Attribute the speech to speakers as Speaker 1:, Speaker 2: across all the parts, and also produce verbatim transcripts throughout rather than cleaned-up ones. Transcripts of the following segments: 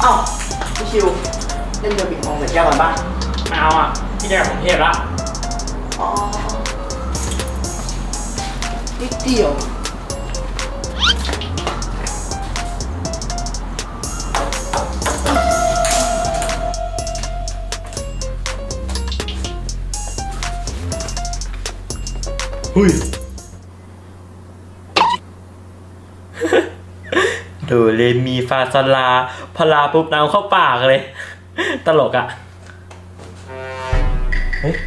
Speaker 1: อ้าวพี่ชิวเล่นเรือปิงปองแต่แก้วกันป่ะ
Speaker 2: ไม่เอาอ่ะพี่จะกลับกรุงเทพละ
Speaker 1: อ๋อนิดเดียว
Speaker 2: เฮ้ยดูเลมีฟาซาลาพลาปุ๊บน้ำเข้าปากเลยตลกอ่ะเฮ้ย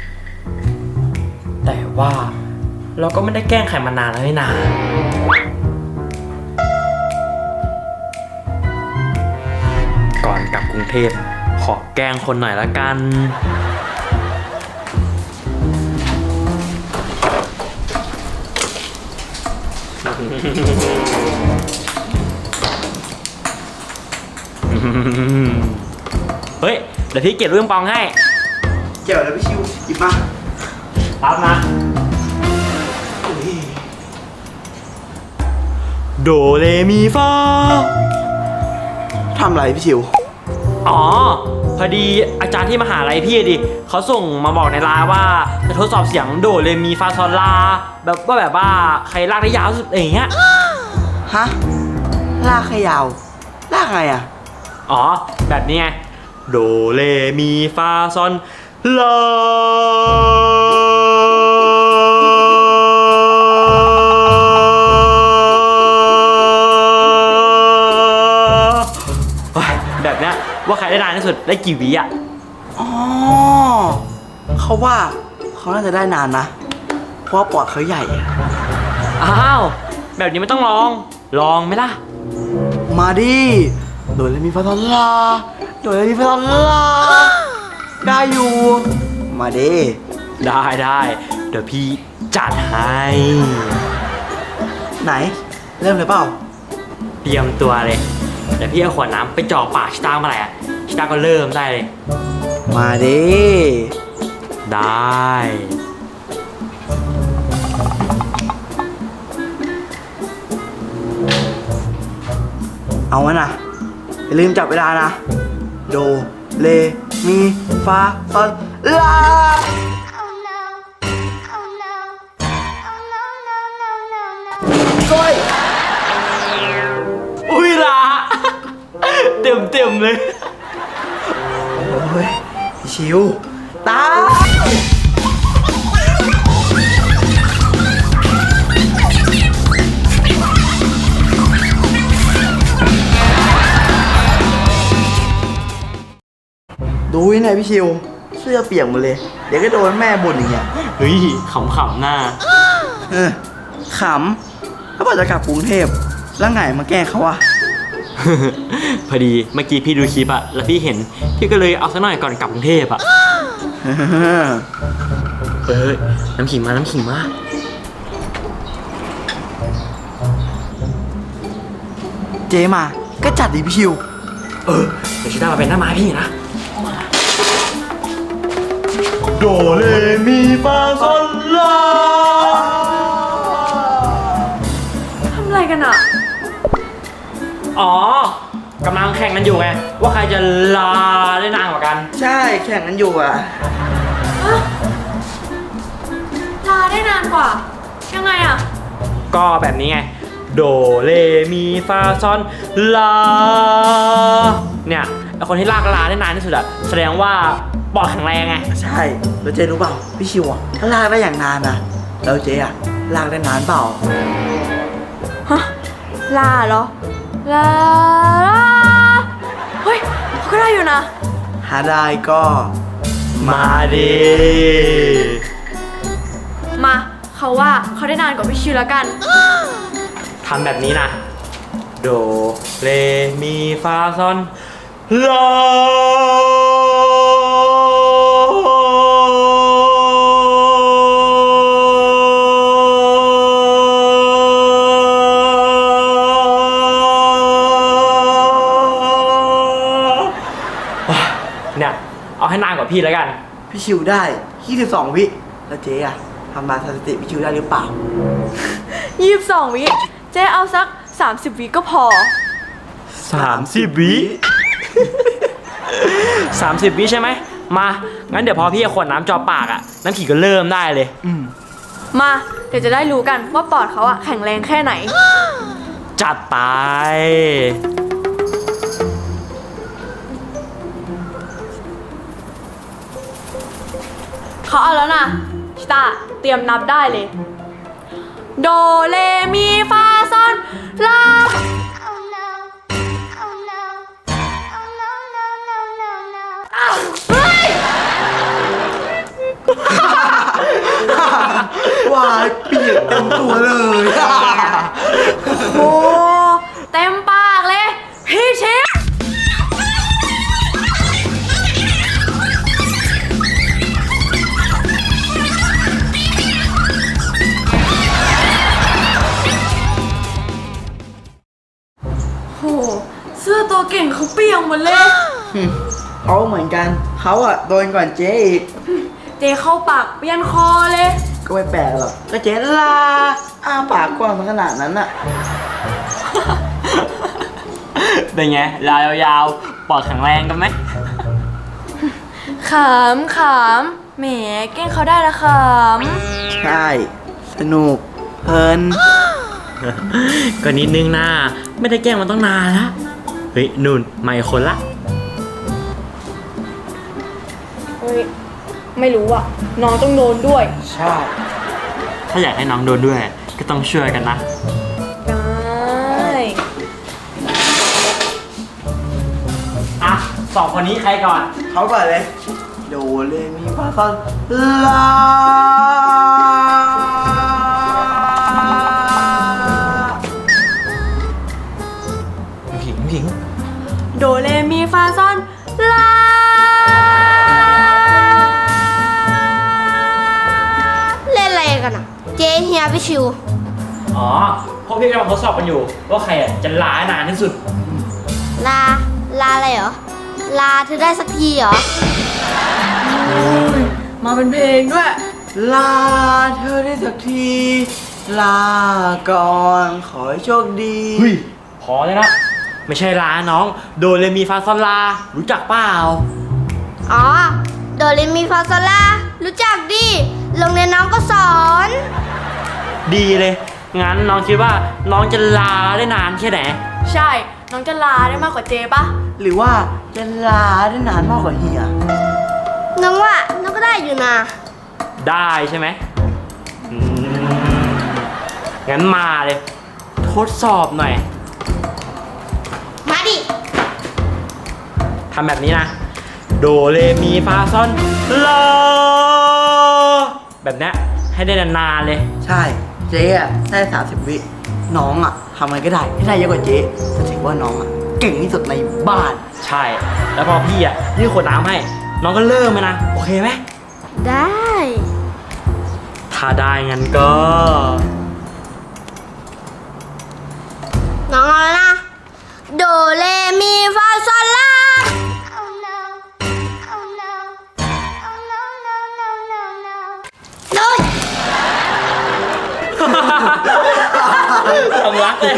Speaker 2: แต่ว่าเราก็ไม่ได้แกล้งใครมานานแล้วนี่นาก่อนกลับกรุงเทพขอแกล้งคนหน่อยละกันเฮ้ยเดี๋ยวพี่เก็บลูกปิงปองให้
Speaker 1: เกี่ยวแล้วพี่ชิวหยิบมา
Speaker 2: รับมาโดเรมีฟา
Speaker 1: ทำอะไรพี่ชิว
Speaker 2: อ๋อพอดีอาจารย์ที่มหาลัยพี่ดิเขาส่งมาบอกในไลน์ว่าจะทดสอบเสียงโดเรมีฟาซอลลาแบบว่าแบบว่าใครลากได้ยาวสุดอย่างเงี้ย
Speaker 1: ฮะลากใครยาวลากไงอ่ะ
Speaker 2: อ๋อแบบนี้ไงโดเรมีฟาซอนลาแบบนี้ว่าใครได้นานที่สุดได้กี่วิอ่ะ
Speaker 1: อ๋อเขาว่าเขาน่าจะได้นานนะเพราะปอดเขาใหญ่
Speaker 2: อ้าวแบบนี้ไม่ต้องลองลองไหมล่ะ
Speaker 1: มาดิโดยมีฟาซอลลาโดยมีฟาซอลลาได้อยู่มาดิ
Speaker 2: ได้ได้เดี๋ยวพี่จัดให้
Speaker 1: ไหนเริ่มเลยเปล่า
Speaker 2: เตรียมตัวเลยเดี๋ยวพี่เอาขวดน้ำไปจ่อปากชิต้าเมื่อไหร่อ่ะชิต้าก็เริ่มได้เลย
Speaker 1: มาดิ
Speaker 2: ได้
Speaker 1: เอาวะนะอย่าลืมจับเวลานะโดเรมีฟาซอลลาก้อย
Speaker 2: อุ้ยละเต็มเต็มเลย
Speaker 1: โอ้ยชิวตาดูยังไงพี่ชิวเสื้อเปียกหมดเลยเดี๋ยวก็โดนแม่บ่นอย่างเงี้ย
Speaker 2: เฮ้ยขำขำหน้า
Speaker 1: เออขำถ้าบอกจะกลับกรุงเทพแล้วไงมาแก้เขาวะ
Speaker 2: พอดีเมื่อกี้พี่ดูคลิปอะแล้วพี่เห็นพี่ก็เลยเอาซะหน่อยก่อนกลับกรุงเทพอะเฮ้ยน้ำขิงมาน้ำขิงมา
Speaker 1: เจมาก็จัดดิพี่ชิว
Speaker 2: เออเดี๋ยวชิต้ามาเป็นหน้าไม้พี่นะโดเรมีฟาซอลลา
Speaker 3: ทำอะไรกันอ่ะ
Speaker 2: อ๋อกำลังแข่งกันอยู่ไงว่าใครจะลาได้นานกว่ากัน
Speaker 1: ใช่แข่งกันอยู่อ่ะ
Speaker 3: ลาได้นานกว่ายังไงอ่ะ
Speaker 2: ก็แบบนี้ไงโดเรมีฟาซอลลาเนี่ยไอคนที่ลากลาได้นานที่สุดอะแสดงว่าปอดแข็งแรงไง
Speaker 1: ใช่แล้วเจรู้เปล่าพี่ชิวอะถ้าลากได้อย่างนานนะแล้วเจอะลากได้นานเปล่า
Speaker 3: ฮะลาเหรอลาลาเฮ้ยเขาก็ได้อยู่นะ
Speaker 1: หาได้ก็
Speaker 2: มาดิ
Speaker 3: มาเขาว่าเขาได้นานกว่าพี่ชิวแล้วกัน
Speaker 2: ทำแบบนี้นะโดเรมีฟาซอนลาเนี่ยเอาให้นานกว่าพี่แล้วกัน
Speaker 1: พี่ชิวได้ยี่สิบสองวิแล้วเจ๊อะทำมาสถิติพี่ชิวได้หรือเปล่า
Speaker 3: ยี่สิบสองวิเจ๊เอาสักสามสิบวิก็พอ
Speaker 2: สามสิบวิสามสิบวิใช่ไหมมางั้นเดี๋ยวพอพี่เอาขวดน้ำจ่อปากอะน้ำขิงก็เริ่มได้เลย
Speaker 1: อืม
Speaker 3: มาเดี๋ยวจะได้รู้กันว่าปอดเขาอะแข็งแรงแค่ไหน
Speaker 2: จัดไป
Speaker 3: เขาเอาแล้วนะชิตาเตรียมนับได้เลย โดเรมีฟาซอนลา
Speaker 4: Oh no. Oh no. Oh no, no, no, no, no.
Speaker 3: เฮ้ย
Speaker 1: ว่าเปียกเต็มตัวเลย
Speaker 3: โอ้เต็มปากเลย พี่เชฟโหเสื้อตัวเก่งเขาเปียกหมดเลย
Speaker 1: เขาเหมือนกันเขาอะโดนก่อนเจ๊อีก
Speaker 3: เจเข้าปากเปียนคอเลย
Speaker 1: ก็ไม่แปลกหรอกก็เจ๊ลาอ้าปากกว้างขนาดนั้นอะ
Speaker 2: เป็นไงลายาวๆปอดแข็งแรงกันไหม
Speaker 3: ขำขำแหมเก้งเขาได้ละข
Speaker 1: ใช่ สนุก เพลิน
Speaker 2: ก็นิดนึงนะไม่ได้แกล้งมันต้องนานละเฮ้ยนุ่นไม่คนละ
Speaker 3: ำเฮ้ย ไม่รู้อ่ะ น้องต้องโดนด้วย
Speaker 1: ใช่
Speaker 2: ถ้าอยากให้น้องโดนด้วย ก็ต้องช่วยกันนะ
Speaker 3: ได้
Speaker 2: อ่ะสองคนนี้ใครก่อน
Speaker 1: เขาก่อนเลย โดเรมีฟาซอนลา
Speaker 2: ผิงผิง
Speaker 3: โดเรมีฟาซอนลา
Speaker 4: เล่นอะไรกันอ่ะ เจ๊เฮียพี่ชิว
Speaker 2: อ๋อพวกพี่กำลังทดสอบกันอยู่ ว่าใครอ่ะจะล้านานที่สุด
Speaker 4: ลา ลาอะไรเหรอ ลาเธอได้สักทีเหรอ
Speaker 3: มาเป็นเพลงด้วย
Speaker 1: ลาเธอได้สักที ลาก่อน ขอให้โชคดี
Speaker 2: เฮ้ยพอเลยนะ ไม่ใช่ล้าน้อง โดเรมีฟาซอนลา รู้จักเปล่า
Speaker 4: อ๋อ โดเรมีฟาโซลา รู้จักดิ โรงเรียนน้องก็สอน
Speaker 2: ดีเลย งั้นน้องคิดว่าน้องจะลาได้นานแค่ไหน
Speaker 3: ใช่ น้องจะลาได้มากกว่าเจปะ
Speaker 1: หรือว่าจะลาได้นานมากกว่าเฮีย
Speaker 4: น้องว่าน้องก็ได้อยู่นะ
Speaker 2: ได้ใช่ไหมอืมงั้นมาเลย ทดสอบหน่อย
Speaker 4: มาดิ
Speaker 2: ทำแบบนี้นะ โดเรมีฟาซอนลาแบบเนี้ยให้ได้นานๆเลย
Speaker 1: ใช่ เจ๊อะได้สามสิบวิ น้องอะทำอะไรก็ได้ให้ได้เยอะกว่าเจ๊จะถือว่าน้องอะเก่งที่สุดในบ้าน
Speaker 2: ใช่ แล้วพอพี่อ่ะยื่นขวดน้ำให้ น้องก็เริ่มเลยนะ โอเคไหม
Speaker 4: ได้
Speaker 2: ถ้าได้งั้นก็
Speaker 4: น้องเอาแล้วนะ โดเรมีฟาโซลา Oh no. Oh no. Oh no, no, no, no, no. โดย
Speaker 2: สำลักเลย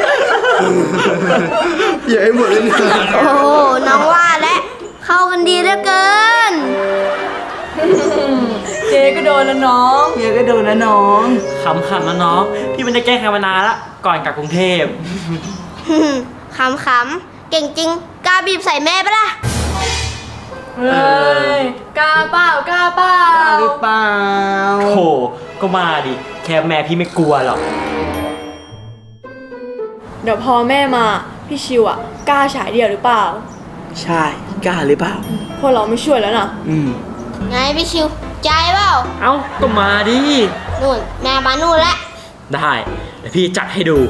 Speaker 1: เยอะให้หมดเลยเนี่ย
Speaker 4: โอ้โห น้องว่าและเข้ากันดีเหลือเกิน
Speaker 3: เจก็โดนแล้วน้อง
Speaker 1: เฮียก็โดนนะน้อง
Speaker 2: ขำๆนะน้อง พี่ไม่ได้แกล้งใครมานานละ ก่อนกลับกรุงเทพ
Speaker 4: ขำๆ เก่งจริง กล้าบีบใส่แม่ปะล่ะ
Speaker 3: เฮ้ย กล้าเปล่ากล้าเปล่า
Speaker 1: หรือเปล่า
Speaker 2: โอ้โห ก็มาดิ แค่แม่พี่ไม่กลัวหรอก
Speaker 3: เดี๋ยวพอแม่มา พี่ชิวอ่ะ กล้าฉายเดี่ยวหรือเปล่า
Speaker 1: ใช่ กล้าหรือเปล่า
Speaker 3: พวกเราไม่ช่วยแล้วนะ
Speaker 1: อืม
Speaker 4: ไงพี่ชิว ใจเปล่า
Speaker 2: เอ้า ก็มาดิ
Speaker 4: นู่น แม่มานู่นแล้ว
Speaker 2: ได้ เดี๋ยวพี่จัดให้ดู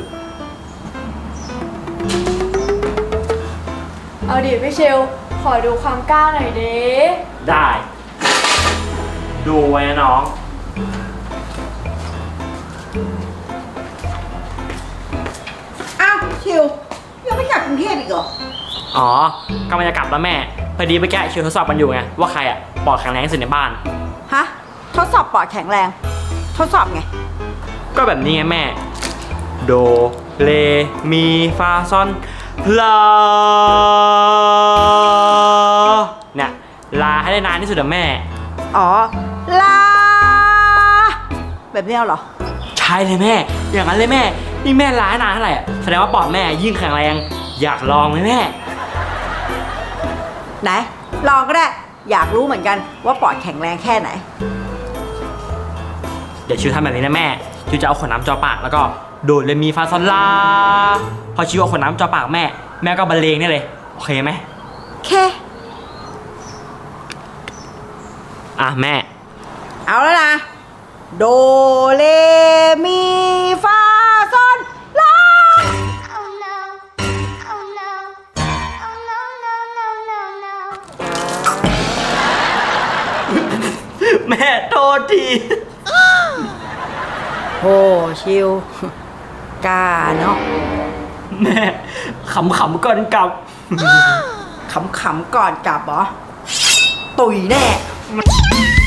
Speaker 3: เอาดิพี่ชิว ขอดูความกล้าหน่อยเด้
Speaker 2: ได้ ดูไว้นะน้อง
Speaker 5: อ้าวชิวยังไม่กลับกรุงเทพอีกเหรอ
Speaker 2: อ๋อกำลังจะกลับแล้วแม่ พอดีเมื่อกี้ชิวทดสอบกันอยู่ไง ว่าใครอ่ะปอดแข็งแรงที่สุดในบ้าน
Speaker 5: ฮะ ทดสอบปอดแข็งแรง ทดสอบไง
Speaker 2: ก็แบบนี้ไงแม่ โด เร มี ฟา ซอน ลาลาให้ได้นานที่สุดอะแม่
Speaker 5: อ๋อ ลา แบบนี้เหรอ
Speaker 2: ใช่เลยแม่ อย่างนั้นเลยแม่ นี่แม่ลาให้นานเท่าไหร่อะแสดงว่าปอดแม่ยิ่งแข็งแรง อยากลองไหมแม่
Speaker 5: ไหน ลองก็ได้ อยากรู้เหมือนกันว่าปอดแข็งแรงแค่ไหน
Speaker 2: เดี๋ยวชิวทำแบบนี้นะแม่ ชิวจะเอาขวดน้ำจ่อปากแล้วก็โดดเลยมีฟาซอนลา พอชิวเอาขวดน้ำจ่อปากแม่ แม่ก็บรรเลงนี่เลย โอเคไหม
Speaker 5: เค
Speaker 2: อ่ะแม่
Speaker 5: เอาแล้วนะ โดเลมีฟาซอนลา
Speaker 4: Oh no. Oh no. Oh no, no, no, no, no.
Speaker 2: แม่โทษที
Speaker 5: โหชิว กล้าเนาะ
Speaker 2: แม่ขำๆก่อนกลับ
Speaker 5: ขำๆก่อนกลับเหรอ ตุยแน่